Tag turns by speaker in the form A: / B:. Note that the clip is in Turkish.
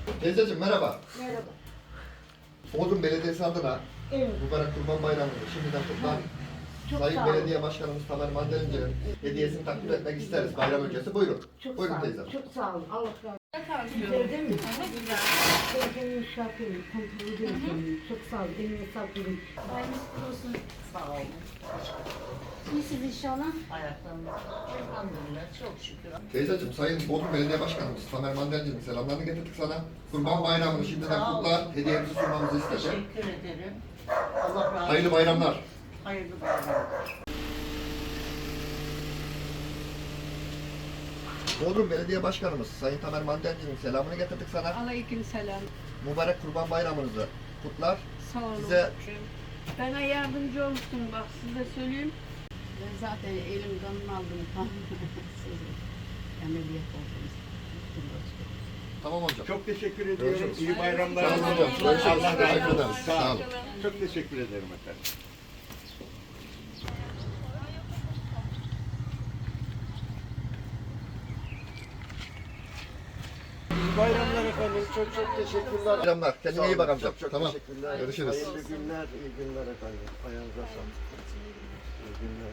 A: Teyzeciğim merhaba.
B: Merhaba.
A: Bodrum Belediyesi adına
B: Evet.
A: mübarek Kurban Bayramı'nı şimdiden kutlar.
B: Çok
A: Sayın
B: sağ olun.
A: Belediye Başkanımız Tamer Mandelinci'nin hediyesini takdim etmek isteriz bayram öncesi. Buyurun.
B: Çok
A: Buyurun
B: sağ
A: teyzem.
B: olun. Çok sağ olun. Allah razı olsun. Güzel değil mi? Teyzemin şarkıyı, kontrolü değil. Çok sağ olun. Eline sağlık.
C: Bayramınız kutlu olsun.
D: Sağ olun.
C: İyisiniz inşallah.
D: Ayaklarınız. Elhamdülillah çok şükür.
A: Teyzeciğim Sayın Bodrum Belediye Başkanımız Tamer Mandelinci'nin selamlarını getirdik sana. Kurban Bayramı'nı şimdiden
D: Sağ ol.
A: kutlar. Hediyemizi sunmamızı istedi.
D: Teşekkür ederim. Allah razı olsun.
A: Hayırlı bayramlar.
D: Hayırlı bayramlar.
A: Bodrum Belediye Başkanımız Sayın Tamer Mandelinci'nin selamını getirdik sana.
E: Aleykümselam.
A: Mübarek Kurban Bayramınızı kutlar.
E: Sağ olun.
A: Size
E: Bana yardımcı olmuşsun bak size söyleyeyim. Ben zaten elim kanını aldım. Ameliyat oldum.
A: tamam hocam.
F: Çok teşekkür ediyorum.
A: Görüşürüz.
F: İyi bayramlar.
A: Sağ olun hocam. Görüşürüz.
F: Allah razı
A: Teşekkür
F: olsun.
A: ederim. Sağ olun.
F: Çok teşekkür ederim efendim. İyi bayramlar efendim. Çok teşekkürler.
A: Bayramlar. Kendine iyi bak amcam.
F: Çok
A: Tamam.
F: teşekkürler.
A: Görüşürüz.
F: Hayırlı günler, iyi günler efendim. Ayağınıza sağlık. İyi günler.